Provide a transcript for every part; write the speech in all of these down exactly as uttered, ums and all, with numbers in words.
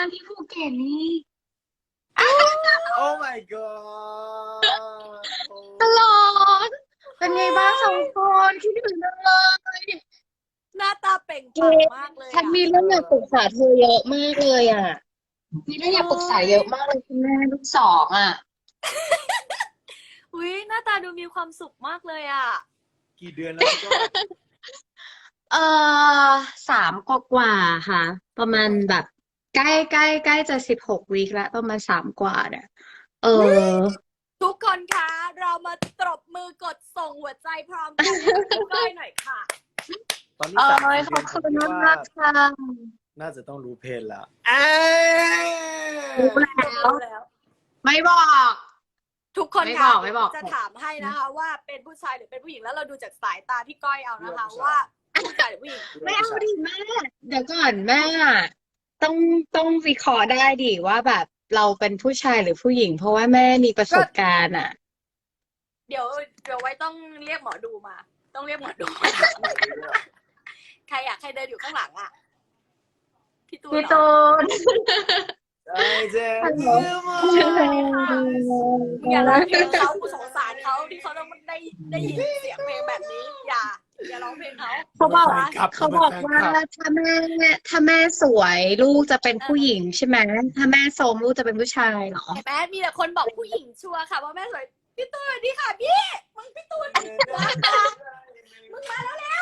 ที่ภูเก็ตนี่โอ้ my god ตลอดเป็นไงบ้างสองคนคิดถึงจังเลยหน้าตาเปล่งปลั่งมากเลยฉันมีอะเรื่องอยากปรึกษาเธอเยอะมากเลยอ่ะมีเรื่องอยากปรึกษาเยอะมากเลยคุณแม่ลูกสองอ่ะอุ้ยหน้าตาดูมีความสุขมากเลยอ่ะกี่เดือนแล้วพี่ก้อยเออสามกว่าๆค่ะ ประมาณแบบใกล้ใกล้ใกล้จะสิบหกวีคแล้วประมาณสามกว่าเนี่ยเออทุกคนคะ เรามาตบมือกดส่งหัวใจพร้อมกันให้คุณก้อยหน่อยค่ะตอนนี้เอสามอสี่ขอบคุณเดือนมากๆค่ะน่าจะต้องรู้เพลแล้วรู้แล้วแล้วไม่บอกทุกคนไม่บคะอกไม่บอกจะถามให้นะคะ ว่าเป็นผู้ชายหรือเป็นผู้หญิงแล้วเราดูจากสายตาพี่ก้อยเอานะคะ ว่าผู้ชายหรือผู้หญิงไม่เอาดิแม่เดี๋ยวก่อนแม่ต้องต้องวิเคราะห์ได้ดิว่าแบบเราเป็นผู้ชายหรือผู้หญิง เพราะว่าแม่มีประสบการณ์อ่ะเดี๋ยวเดี๋ยวไว้ต้องเรียกหมอดูมา ต้องเรียกหมอดูมา ใครอะใครเดินอยู่ข้างหลังอะพี่ตูนพี่เหรอตูนไอ้เจ๊ฮัลโหลอย่าร้องเพลงเขากูสงสารเขาที่เขาต้องได้ได้ยินเสียงเพลงแบบนี้ อย่า อย่าร้องเพลงเขาเขาบอกครับเขาบอกว่าถ้าแม่ถ้าแม่สวยลูกจะเป็นผู้หญิงใช่ไหมถ้าแม่โทรมลูกจะเป็นผู้ชายเหรอเห็นไหมมีแต่คนบอกผู้หญิงชัวร์ค่ะว่าแม่สวยพี่ตูนสวัสดีค่ะพี่มึงพี่ตูนวางมามึงมาแล้วแล้ว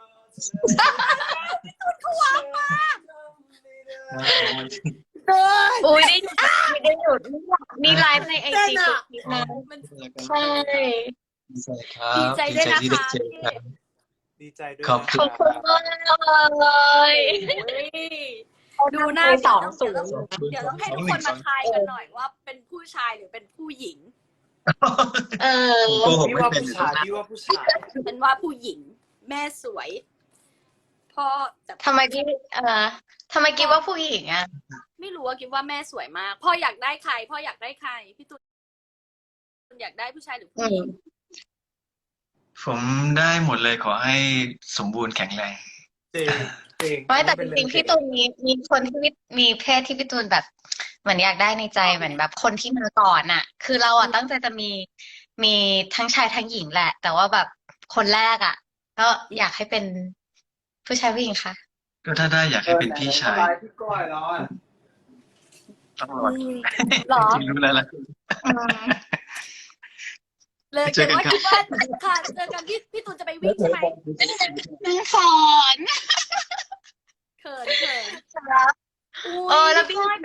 พี่ตูนเขาวางมาอุ้ยได้หยุดไม่ได้หยุดนี่ไลฟ์ในไอเต้นจีอะทุกคลิปนะมันใช่ดีใจด้วยนะคะดีใจที่ได้เจอกันดีใจด้วยขอบขอบคุณมากเลยดูหน้าสองศูนย์เดี๋ยวต้องให้ทุกคนมาทายกันหน่อยว่าเป็นผู้ชายหรือเป็นผู้หญิงเออโกหกพี่ไม่ว่าเป็นผู้ชายพี่ว่าผู้ชายเป็นว่าผู้หญิงแม่สวยพ่อแต่ทำไมพี่เออทำไมคิดว่าผู้หญิงอ่ะไม่รู้ว่าคิดว่าแม่สวยมากพ่ออยากได้ใครพ่ออยากได้ใครพี่ตูนอยากได้ผู้ชายหรือผู้หญิงผมได้หมดเลยขอให้สมบูรณ์แข็งแรงเจ๋งเจ๋งไม่แต่จริงๆพี่ตูนมีมีคนที่มีเพศที่พี่ตูนแบบเหมือนอยากได้ในใจเหมือนแบบคนที่มาก่อนอ่ะ คือเราอ่ะตั้งใจจะมีมีทั้งชายทั้งหญิงแหละ แต่ว่าแบบคนแรกอ่ะ ก็อยากให้เป็นผู้ชายผู้หญิงค่ะก็ถ้าได้อยากให้เป็นพี่ชายพี่ก้อยแล้วอ่ะต้องรอหรอจริงๆรู้แล้วล่ะเลยเจแต่อกันว่าครับคิดว่าค่ะเจอกันพี่พี่ตูนจะไปวิ่งใช่ไหมนางฝอนเขินเขินเออแล้วพี่